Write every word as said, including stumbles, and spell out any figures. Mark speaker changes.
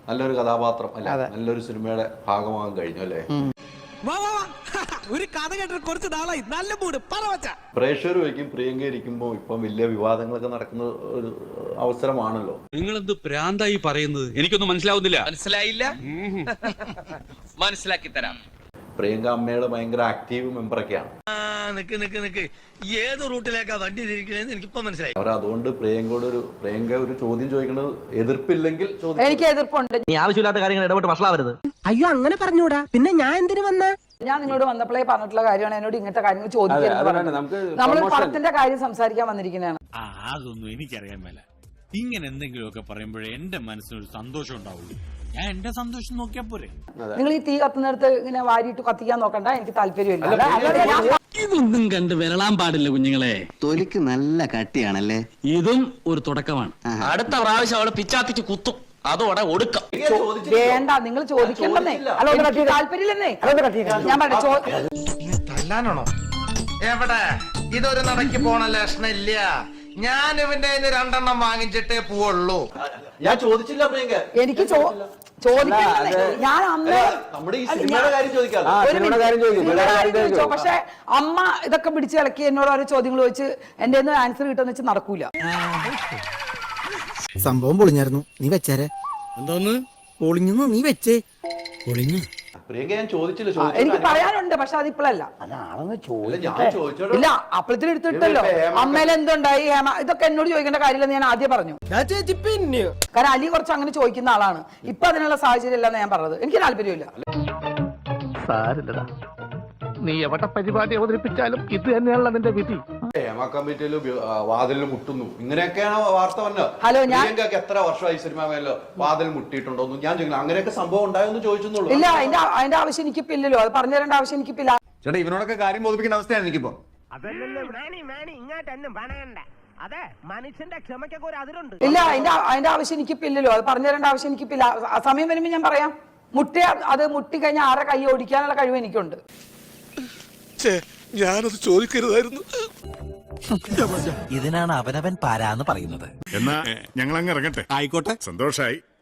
Speaker 1: നല്ലൊരു കഥാപാത്രം അല്ലെ, നല്ലൊരു സിനിമയുടെ ഭാഗമാകാൻ കഴിഞ്ഞു അല്ലേ?
Speaker 2: ഒരു കഥ കേട്ടിട്ട് കുറച്ച് നാളായി, നല്ല മൂഡ് പറവച്ച.
Speaker 1: പ്രേക്ഷകർ വയ്ക്കും പ്രിയങ്ക ഇരിക്കുമ്പോൾ ഇപ്പം വലിയ വിവാദങ്ങളൊക്കെ നടക്കുന്ന ഒരു അവസരമാണല്ലോ.
Speaker 3: നിങ്ങളെന്ത് പ്രാന്തായി പറയുന്നത്? എനിക്കൊന്നും മനസ്സിലാവുന്നില്ല.
Speaker 4: മനസ്സിലായില്ല? മനസ്സിലാക്കി തരാം.
Speaker 1: പ്രിയങ്ക അമ്മയുടെ ഭയങ്കര ആക്റ്റീവ് മെമ്പറൊക്കെയാണ്.
Speaker 2: നിക്ക് നിക്ക് നിക്ക് ഏത് റൂട്ടിലേക്കാ വണ്ടി തിരിക്കണേന്ന് എനിക്കിപ്പോ മനസ്സിലായി.
Speaker 1: അവർ അതുകൊണ്ട് പ്രിയങ്കയോട് ഒരു പ്രിയങ്ക ഒരു ചോദ്യം ചോദിക്കുന്നത് എതിർപ്പില്ലെങ്കിൽ
Speaker 5: എനിക്ക് എതിർപ്പുണ്ട്.
Speaker 6: നീ ആവശ്യമില്ലാത്ത കാര്യങ്ങൾ ഇടപെട്ട് വഷളാവരുത്.
Speaker 7: അയ്യോ അങ്ങനെ പറഞ്ഞൂടാ, പിന്നെ ഞാൻ എന്തിനു വന്ന?
Speaker 5: ഞാൻ നിങ്ങളോട് വന്നപ്പോഴേ പറഞ്ഞിട്ടുള്ള കാര്യമാണ് എന്നോട് ഇങ്ങനത്തെ കാര്യങ്ങൾ ചോദിക്കുന്നത്. നമ്മൾ പടത്തിന്റെ കാര്യം സംസാരിക്കാൻ വന്നിരിക്കുന്നതാണ്.
Speaker 8: അതൊന്നും എനിക്കറിയാൻ മേല. ഇങ്ങനെ എന്തെങ്കിലുമൊക്കെ പറയുമ്പോഴേ എന്റെ മനസ്സിനൊരു സന്തോഷം ഉണ്ടാവുള്ളൂ. ഞാൻ എന്റെ സന്തോഷം നോക്കിയാ പോരെ.
Speaker 5: നിങ്ങൾ ഈ തീ കത്തുന്നിടത്ത് ഇങ്ങനെ വാരിയിട്ട് കത്തിക്കാൻ നോക്കണ്ട, എനിക്ക് താല്പര്യമില്ല.
Speaker 9: ഇതൊന്നും കണ്ട് വിരളാൻ പാടില്ല കുഞ്ഞുങ്ങളെ.
Speaker 6: തൊലിക്ക് നല്ല കട്ടിയാണല്ലേ.
Speaker 9: ഇതും ഒരു തുടക്കമാണ്.
Speaker 4: അടുത്ത പ്രാവശ്യം അവള് പിച്ചാത്തിക്ക് കുത്തും, അതോടെ ഒടുക്കം.
Speaker 5: വേണ്ട, നിങ്ങൾ ചോദിക്കണ്ടെന്നേ. അല്ല, താല്പര്യമില്ലെന്നേ. ഞാൻ
Speaker 2: തല്ലാനാണോ? എവിടെ ഇതൊരു നടക്കി പോണ ലക്ഷണില്ല. ഞാൻ ഇവന്റെ രണ്ടെണ്ണം വാങ്ങിച്ചിട്ടേ പോവുള്ളൂ.
Speaker 1: ഞാൻ ചോദിച്ചില്ല പ്രിയങ്ക.
Speaker 5: എനിക്ക് ചോദിക്കണ്ടെന്നേ. ഞാൻ അന്ന്
Speaker 1: നമ്മുടെ ഈ സിനിമയുടെ കാര്യം ചോദിക്കാം.
Speaker 5: പക്ഷെ അമ്മ ഇതൊക്കെ പിടിച്ച് ഇളക്കി എന്നോട് ഓരോ ചോദ്യങ്ങൾ ചോദിച്ച് എന്റെ ആൻസർ കിട്ടുന്ന വെച്ച് നടക്കൂല.
Speaker 7: സംഭവം പൊളിഞ്ഞായിരുന്നു, നീ വെച്ചേരെ.
Speaker 9: എന്തോന്ന്
Speaker 7: പൊളിഞ്ഞു? നീ വെച്ചേ.
Speaker 9: പൊളിഞ്ഞു?
Speaker 1: പ്രിയങ്ക ഞാൻ ചോദിച്ചില്ല.
Speaker 5: എനിക്ക് പറയാനുണ്ട്, പക്ഷെ അതിപ്പോഴല്ല. ഇല്ല, അപ്പഴത്തിന് എടുത്തിട്ടല്ലോ. അമ്മയിൽ എന്തുണ്ടായി, ഹേമ, ഇതൊക്കെ എന്നോട് ചോദിക്കേണ്ട കാര്യമില്ലെന്ന് ഞാൻ ആദ്യം പറഞ്ഞു. കാരണം അലി കുറച്ച് അങ്ങനെ ചോദിക്കുന്ന ആളാണ്. ഇപ്പൊ അതിനുള്ള സാഹചര്യം ഇല്ലെന്ന് ഞാൻ പറഞ്ഞത്. എനിക്ക് താല്പര്യമില്ല.
Speaker 6: നീ എവിടെ പരിപാടി അവതരിപ്പിച്ചാലും ഇത് തന്നെയാണല്ലോ നിന്റെ വിധി.
Speaker 1: ഹേമ കമ്മിറ്റിയിലും വാതിലിൽ മുട്ടുന്നു, ഇങ്ങനെയൊക്കെയാണ് വാർത്ത വന്നത്.
Speaker 5: ഹലോ, ഞാൻ
Speaker 1: പ്രിയങ്കക്ക് എത്ര വർഷമായി സിനിമ മേലോ വാതിൽ മുട്ടിയിട്ടുണ്ടോന്ന് ഞാൻ ചോദിക്കണം. അങ്ങനെയൊക്കെ സംഭവം ഉണ്ടായെന്ന് ചോദിച്ചെന്നുള്ളൂ.
Speaker 5: ഇല്ല, അതിന്റെ അതിന്റെ ആവശ്യം എനിക്കിപ്പില്ലല്ലോ. അത് പറഞ്ഞു തരേണ്ട ആവശ്യം എനിക്കിപ്പില്ല.
Speaker 10: ചേട്ടാ, ഇവനോടൊക്കെ കാര്യം ബോധിപ്പിക്കുന്ന അവസ്ഥയാണ് എനിക്കിപ്പോ.
Speaker 7: മനുഷ്യന്റെ ക്ഷമയ്ക്കൊക്കെ ഒരു അതിരുണ്ട്.
Speaker 5: ഇല്ല, അതിന്റെ അതിന്റെ ആവശ്യം എനിക്കിപ്പില്ലല്ലോ. അത് പറഞ്ഞു തരേണ്ട ആവശ്യം എനിക്കിപ്പില്ല. സമയം വരുമ്പോ ഞാൻ പറയാം. മുട്ടി അത് മുട്ടി കഴിഞ്ഞാൽ ആരെ കൈ ഓടിക്കാനുള്ള കഴിവ് എനിക്കുണ്ട്.
Speaker 2: ഞാനത് ചോദിക്കരുതായിരുന്നു.
Speaker 7: ഇതിനാണ് അവനവൻ പാരാന്ന് പറയുന്നത്.
Speaker 10: എന്നാ ഞങ്ങൾ അങ്ങ് ഇറങ്ങട്ടെ.
Speaker 8: ആയിക്കോട്ടെ,
Speaker 10: സന്തോഷായി.